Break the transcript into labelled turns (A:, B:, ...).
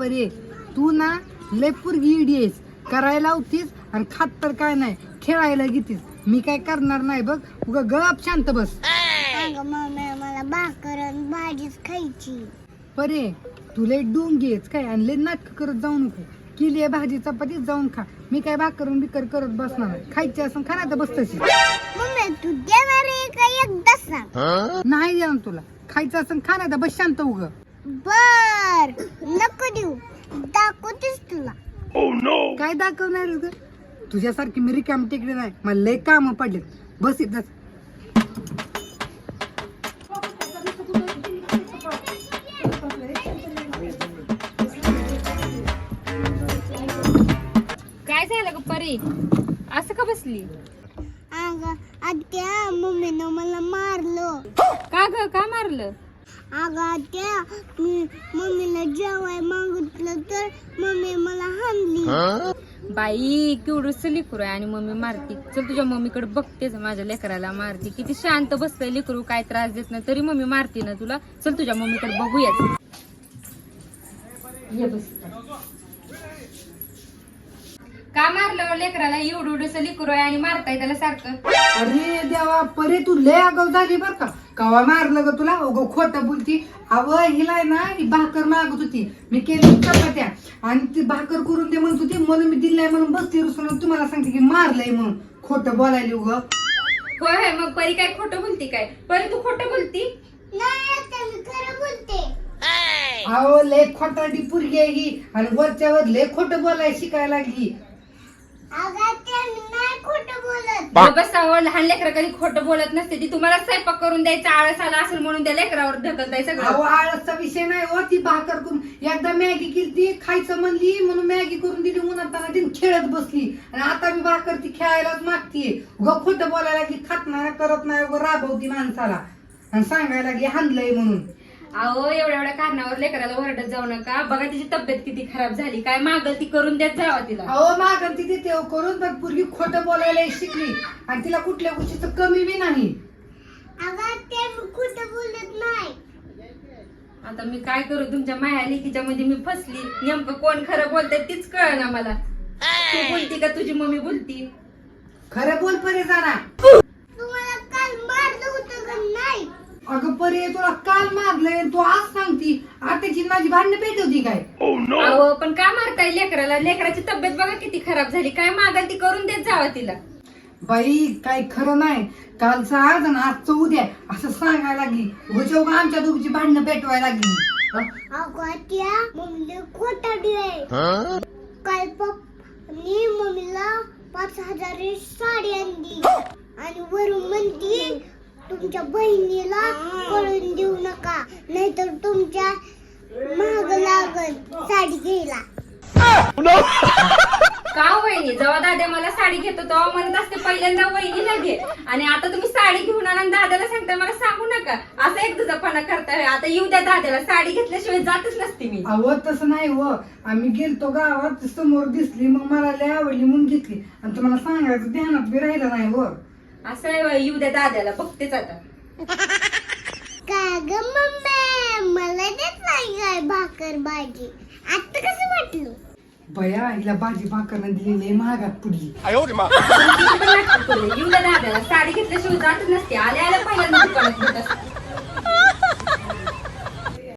A: परे तू ना लय पोरगी इडी आहेस, करायला होतीस आणि खात तर काय नाही, खेळायला घेतीस. मी काय करणार नाही बघ, उगा गप शांत बस.
B: अगं मम्मी मला भाकर आणि भाजीच खायची.
A: परे तुला डोंगेच काय आणि लय नाटक करत जाऊ नको. केली भाजी चपाती जाऊन खा. मी काय भाकर बिकर करत बसणार नाही. खायची असं खा तर बस तशी.
B: मम्मी तू देणार आहे का एकदा सांग.
A: नाही देणार तुला. खायचं असं खा तर बस शांत उग.
B: बर नको देऊ, दाखवतेस तुला.
A: काय दाखवणार ग? तुझ्यासारखी मी रिकाम टेकडे नाही, मला लय काम पडलेत. बस इथंच.
C: काय झालं ग परी, असं का बसली?
B: अगं आत्या मम्मीनं मला मारलं.
C: का ग, का मारलं?
B: अगं आत्या मी मम्मीला जेवाय मागितलं तर मम्मी मला हाणली.
C: बाई केवढं लेकरू आहे आणि मम्मी मारती. चल तुझ्या मम्मीकडे बघतेच, माझ्या लेकराला मारती. किती शांत बसतंय लेकरू, काय त्रास देत नाही तरी मम्मी मारती ना तुला. चल तुझ्या मम्मीकडे बघूयाच. ये बस. का मारलं लेकराला? एवढं लेकरू आहे आणि मारताय त्याला सारखं.
A: अरे देवा परे तू लय आगाव झाली बर का. कवा मारलं ग तुला? उग खोटं बोलती. अव हिला आहे ना, ही भाकर मागत होती, मी केली चपात्या आणि ती भाकर करून दे म्हणत होती, म्हणून मी दिलाय म्हणून बसली रुसून. तुम्हाला सांगते की मारलंय म्हणून. खोटं बोलायली उग.
C: होय मग परी काय खोटं बोलती काय? परी तू खोटं बोलती?
B: नाही आत्या मी खरं बोलते.
A: अहो लय खोटाडी पुरगी आहे ही आणि वरच्यावर लय खोटं बोलायला शिकायला लागली.
B: अगं आत्या मी नाही खोटं बोलत.
C: बसावं, लहान लेकरं कधी खोटं बोलत नसते. ती तुम्हाला स्वयंपाक करून द्यायचा आळस आला असेल म्हणून त्या लेकरावर ढकलताय सगळं.
A: अहो आळसचा विषय नाही हो. ती भाकर करून एकदा मॅगी केली, खायचं म्हणली म्हणून मॅगी करून दिली, उन्हाताना ती खेळत बसली आणि आता मी भाकर ती खेळायलाच मागतीये. उगा खोटं बोलायला लागली, खात नाही करत नाही, उगा राबवती माणसाला आणि सांगायला लागली हाणलंय म्हणून.
C: अहो एवढ्या कारणावर लेकराला ओरडत जाऊ नका. बघा तिची तब्येत किती खराब झाली. काय मागल ती करून देत जावा तिला.
A: अहो मागं ती देते करून, पण पूर्वी खोटं बोलायला शिकली आणि तिला कुठल्या गोष्टीचं कमी बी नाही.
B: अगं आत्या मी खोटं बोलत नाही.
C: आता मी काय करू? तुमच्या माया लेकीच्या मध्ये मी फसली. नेमकं कोण खरं बोलतंय तीच कळ ना मला. तू बोलती का तुझी मम्मी बोलती?
A: खरं बोल परे जाना.
B: तुम्हाला काल मारलं होतं का नाही?
A: अगं परे तुला काल मारलंय तू आज सांगती. आताची माझी भांडणं पेटवती काय?
C: अहो पण का मारताय लेकराला? लेकराची तब्येत बघा किती खराब झाली. काय मागल ती करून देत जावा तिला.
A: बाई काय खरं नाही. कालचं आज आणि आजचं उद्या असं सांगायला लागली. उगाच आमच्या दोघीची भांडणं पेटवायला लागली.
B: अगं आत्या मम्मीला खोटाडी आहे. काल पप्पानी मम्मीला 5,000 साडी आणली आणि वरून म्हणती तुमच्या बहिणीला कळून देऊ नका, नाहीतर तुमच्या महाग लागल साडी घ्यायला.
C: का वहिनी? जेव्हा दादा मला साडी घेतो तेव्हा म्हणत असते पहिल्यांदा वहिनीला घे, आणि आता तुम्ही साडी घेऊन आणा दादाला सांगताय मला सांगू नका. असं एक दुजापणा करताय. आता येऊ द्या दादाला. साडी घेतल्याशिवाय जातच नसते मी.
A: अहो तसं नाही हो. आम्ही गेलतो गावात, समोर दिसली मग मला लय आवडली म्हणून घेतली आणि तुम्हाला सांगायचं ध्यानात बी राहिलं नाही हो.
C: असं आहे. येऊ द्या दादाला. बघतेच आता.
B: का ग मम्मी मला देत नाही काय भाकर भाजी? आता कसं वाटलं?
A: बया हिला भाजी भाकरनं दिली लय महागात पुडली.